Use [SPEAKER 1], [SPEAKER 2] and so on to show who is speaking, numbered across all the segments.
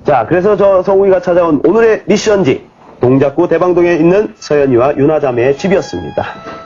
[SPEAKER 1] 자, 그래서 저 성우이가 찾아온 오늘의 미션지, 동작구 대방동에 있는 서연이와 유나 자매의 집이었습니다.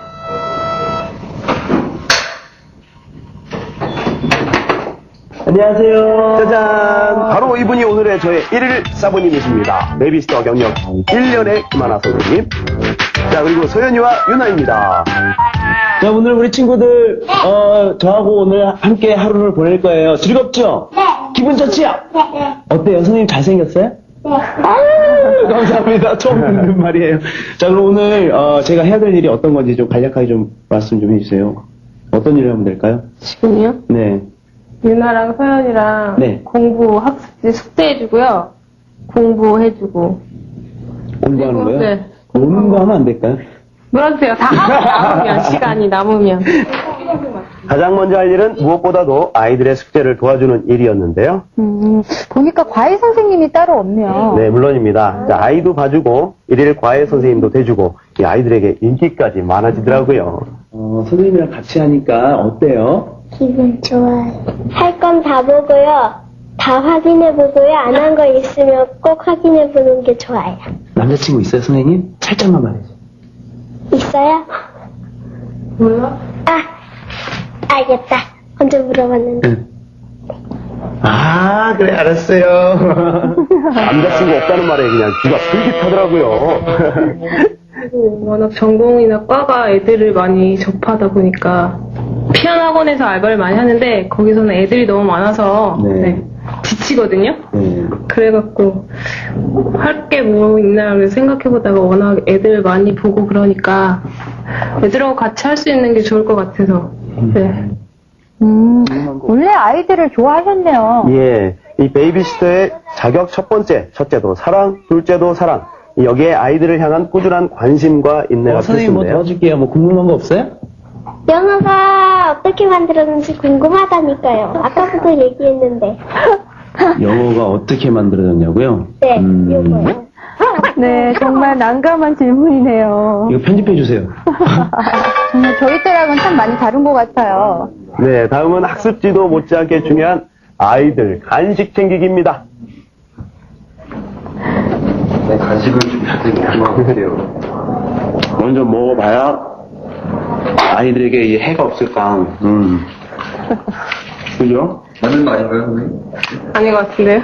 [SPEAKER 2] 안녕하세요.
[SPEAKER 1] 짜잔! 바로 이분이 오늘의 저의 1일 사부님이십니다. 베이비시터 경력 1년의 김하나 선생님. 자, 그리고 서연이와 유나입니다.
[SPEAKER 2] 자, 오늘 우리 친구들, 저하고 오늘 함께 하루를 보낼 거예요. 즐겁죠?
[SPEAKER 3] 네.
[SPEAKER 2] 기분 좋지요?
[SPEAKER 3] 네.
[SPEAKER 2] 어때요? 선생님 잘생겼어요?
[SPEAKER 3] 네.
[SPEAKER 2] 아유, 감사합니다. 처음 듣는 말이에요. 자, 그럼 오늘, 제가 해야 될 일이 어떤 건지 좀 간략하게 좀 말씀 좀 해주세요. 어떤 일을 하면 될까요?
[SPEAKER 4] 지금요?
[SPEAKER 2] 네.
[SPEAKER 4] 유나랑 서연이랑
[SPEAKER 2] 네.
[SPEAKER 4] 공부 학습지 숙제해주고요. 공부해주고.
[SPEAKER 2] 공부하는 거요?
[SPEAKER 4] 네.
[SPEAKER 2] 노는 거 하면 안 될까요?
[SPEAKER 4] 놀아주세요. 다 하고 남으면, 시간이 남으면.
[SPEAKER 1] 가장 먼저 할 일은 무엇보다도 아이들의 숙제를 도와주는 일이었는데요.
[SPEAKER 5] 보니까 과외 선생님이 따로 없네요.
[SPEAKER 1] 네, 물론입니다. 자, 아이도 봐주고, 일일 과외 선생님도 돼주고, 이 아이들에게 인기까지 많아지더라고요.
[SPEAKER 2] 선생님이랑 같이 하니까 어때요?
[SPEAKER 3] 기분 좋아요. 할 건 다 보고요. 다 확인해보고요. 안 한 거 있으면 꼭 확인해보는 게 좋아요.
[SPEAKER 2] 남자친구 있어요, 선생님? 살짝만 말해줘.
[SPEAKER 3] 있어요?
[SPEAKER 4] 몰라?
[SPEAKER 3] 아, 알겠다. 언제 물어봤는데.
[SPEAKER 2] 아, 그래, 알았어요.
[SPEAKER 1] 남자친구 없다는 말에 그냥 귀가 솔깃하더라고요.
[SPEAKER 4] 그리고 워낙 전공이나 과가 애들을 많이 접하다 보니까 피아노 학원에서 알바를 많이 하는데 거기서는 애들이 너무 많아서
[SPEAKER 2] 네.
[SPEAKER 4] 네, 지치거든요.
[SPEAKER 2] 네.
[SPEAKER 4] 그래갖고 할 게 뭐 있나 그래서 생각해보다가 워낙 애들 많이 보고 그러니까 애들하고 같이 할 수 있는 게 좋을 것 같아서 네.
[SPEAKER 5] 원래 아이들을 좋아하셨네요.
[SPEAKER 1] 예, 이 베이비시터의 자격 첫 번째, 첫째도 사랑, 둘째도 사랑. 여기에 아이들을 향한 꾸준한 관심과 인내가
[SPEAKER 2] 선생님 뭐
[SPEAKER 1] 필수인데요.
[SPEAKER 2] 도와줄게요. 뭐 궁금한 거 없어요?
[SPEAKER 3] 영어가 어떻게 만들었는지 궁금하다니까요. 아까부터 얘기했는데.
[SPEAKER 2] 영어가 어떻게 만들어졌냐고요?
[SPEAKER 3] 네, 요거요.
[SPEAKER 5] 네, 정말 난감한 질문이네요.
[SPEAKER 2] 이거 편집해 주세요.
[SPEAKER 5] 정말 저희 때랑은 참 많이 다른 것 같아요.
[SPEAKER 1] 네, 다음은 학습지도 못지않게 중요한 아이들 간식 챙기기입니다.
[SPEAKER 6] 네, 간식을 준비할 때 궁금한데요.
[SPEAKER 2] 먼저 먹어봐야 아이들에게 이 해가 없을까. 그죠?
[SPEAKER 6] 맞는 거 아닌가요, 선생님?
[SPEAKER 4] 아닌 것 같은데요?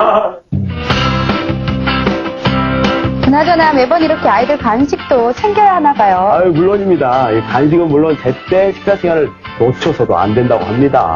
[SPEAKER 5] 그나저나 매번 이렇게 아이들 간식도 챙겨야 하나 봐요.
[SPEAKER 1] 아유, 물론입니다. 이 간식은 물론 제때 식사 시간을 놓쳐서도 안 된다고 합니다.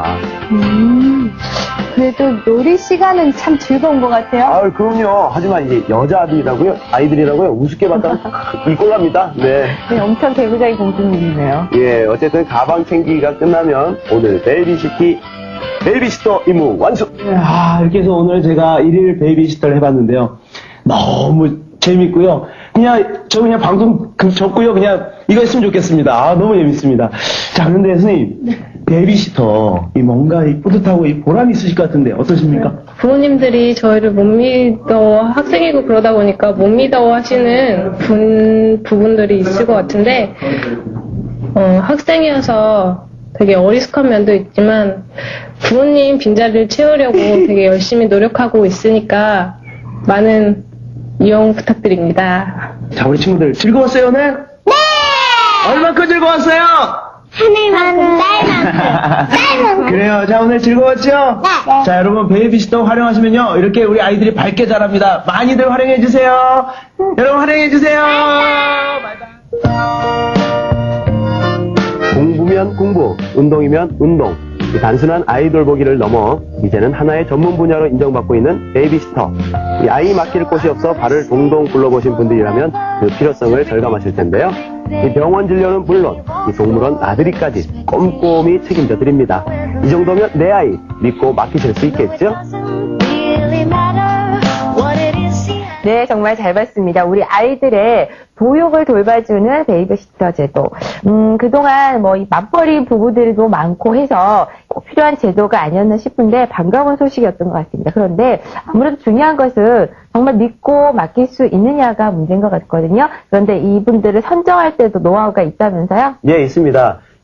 [SPEAKER 5] 그래도 놀이 시간은 참 즐거운 것 같아요.
[SPEAKER 1] 아유, 그럼요. 하지만 이제 여자아들이라고요? 아이들이라고요? 우습게 봤다면 이꼴랍니다. 네.
[SPEAKER 5] 네, 엄청 개구장이 공주님이네요.
[SPEAKER 1] 예, 어쨌든 가방 챙기기가 끝나면 오늘 베이비시터 임무 완수!
[SPEAKER 2] 이렇게 해서 오늘 제가 1일 베이비시터를 해봤는데요. 너무 재밌고요. 저 그냥 방송 접고요. 그냥 이거 했으면 좋겠습니다. 너무 재밌습니다. 자, 그런데 선생님, 베이비시터, 뭔가 뿌듯하고 보람이 있으실 것 같은데 어떠십니까?
[SPEAKER 4] 부모님들이 저희를 못 믿어 학생이고 그러다 보니까 못 믿어 하시는 부분들이 있을 것 같은데 학생이어서 되게 어리숙한 면도 있지만 부모님 빈자리를 채우려고 되게 열심히 노력하고 있으니까 많은 이용 부탁드립니다.
[SPEAKER 2] 자, 우리 친구들 즐거웠어요, 오늘? 네! 얼마큼 즐거웠어요?
[SPEAKER 3] 하늘만큼, 딸만큼.
[SPEAKER 2] 그래요. 자, 오늘 즐거웠죠?
[SPEAKER 3] 네.
[SPEAKER 2] 자, 여러분, 베이비시터 활용하시면요. 이렇게 우리 아이들이 밝게 자랍니다. 많이들 활용해주세요. 여러분, 활용해주세요. 바이바이.
[SPEAKER 1] 공부면 공부, 운동이면 운동. 이 단순한 아이돌 보기를 넘어 이제는 하나의 전문 분야로 인정받고 있는 베이비시터. 이 아이 맡길 곳이 없어 발을 동동 굴러보신 분들이라면 그 필요성을 절감하실 텐데요. 이 병원 진료는 물론 이 동물원 나들이까지 꼼꼼히 책임져 드립니다. 이 정도면 내 아이 믿고 맡기실 수 있겠죠?
[SPEAKER 5] 네, 정말 잘 봤습니다. 우리 아이들의 보육을 돌봐주는 베이비시터 제도. 그동안 이 맞벌이 부부들도 많고 해서 꼭 필요한 제도가 아니었나 싶은데 반가운 소식이었던 것 같습니다. 그런데 아무래도 중요한 것은 정말 믿고 맡길 수 있느냐가 문제인 것 같거든요. 그런데 이분들을 선정할 때도 노하우가 있다면서요?
[SPEAKER 1] 예, 있습니다.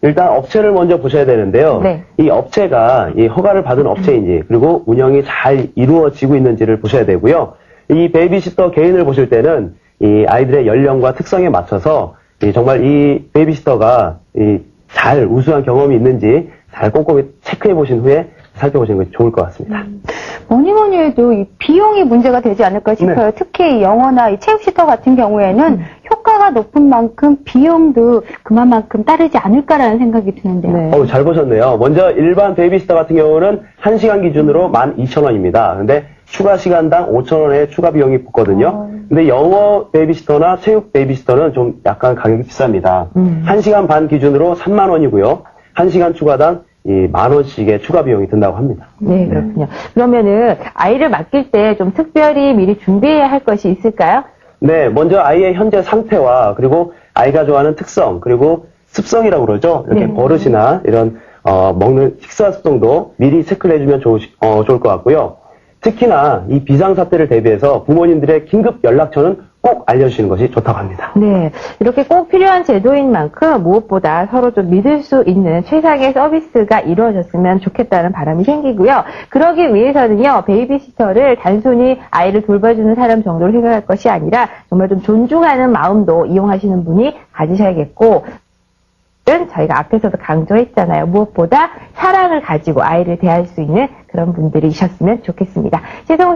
[SPEAKER 1] 일단 업체를 먼저 보셔야 되는데요.
[SPEAKER 5] 네.
[SPEAKER 1] 이 업체가 이 허가를 받은 업체인지 그리고 운영이 잘 이루어지고 있는지를 보셔야 되고요. 이 베이비시터 개인을 보실 때는 이 아이들의 연령과 특성에 맞춰서 정말 이 베이비시터가 잘 우수한 경험이 있는지 잘 꼼꼼히 체크해 보신 후에 살펴보시는 것이 좋을 것 같습니다.
[SPEAKER 7] 뭐니 해도 이 비용이 문제가 되지 않을까 싶어요. 특히 이 영어나 이 체육시터 같은 경우에는 효과가 높은 만큼 비용도 그만큼 따르지 않을까라는 생각이 드는데요.
[SPEAKER 5] 네.
[SPEAKER 1] 잘 보셨네요. 먼저 일반 베이비시터 같은 경우는 1시간 기준으로 12,000원입니다. 근데 추가 시간당 5,000원의 추가 비용이 붙거든요. 근데 영어 베이비시터나 체육 베이비시터는 좀 약간 가격이 비쌉니다. 1시간 반 기준으로 3만 원이고요. 1시간 추가당 10,000원씩의 추가 비용이 든다고 합니다.
[SPEAKER 5] 네, 그렇군요. 그러면은 아이를 맡길 때 좀 특별히 미리 준비해야 할 것이 있을까요?
[SPEAKER 1] 네, 먼저 아이의 현재 상태와 그리고 아이가 좋아하는 특성 그리고 습성이라고 그러죠. 이렇게 버릇이나 이런 먹는 식사 습성도 미리 체크를 해주면 좋을 것 같고요. 특히나 이 비상사태를 대비해서 부모님들의 긴급 연락처는 꼭 알려주시는 것이 좋다고 합니다.
[SPEAKER 5] 네, 이렇게 꼭 필요한 제도인 만큼 무엇보다 서로 좀 믿을 수 있는 최상의 서비스가 이루어졌으면 좋겠다는 바람이 생기고요. 그러기 위해서는요, 베이비시터를 단순히 아이를 돌봐주는 사람 정도로 생각할 것이 아니라 정말 좀 존중하는 마음도 이용하시는 분이 가지셔야겠고, 저희가 앞에서도 강조했잖아요. 무엇보다 사랑을 가지고 아이를 대할 수 있는 그런 분들이셨으면 좋겠습니다.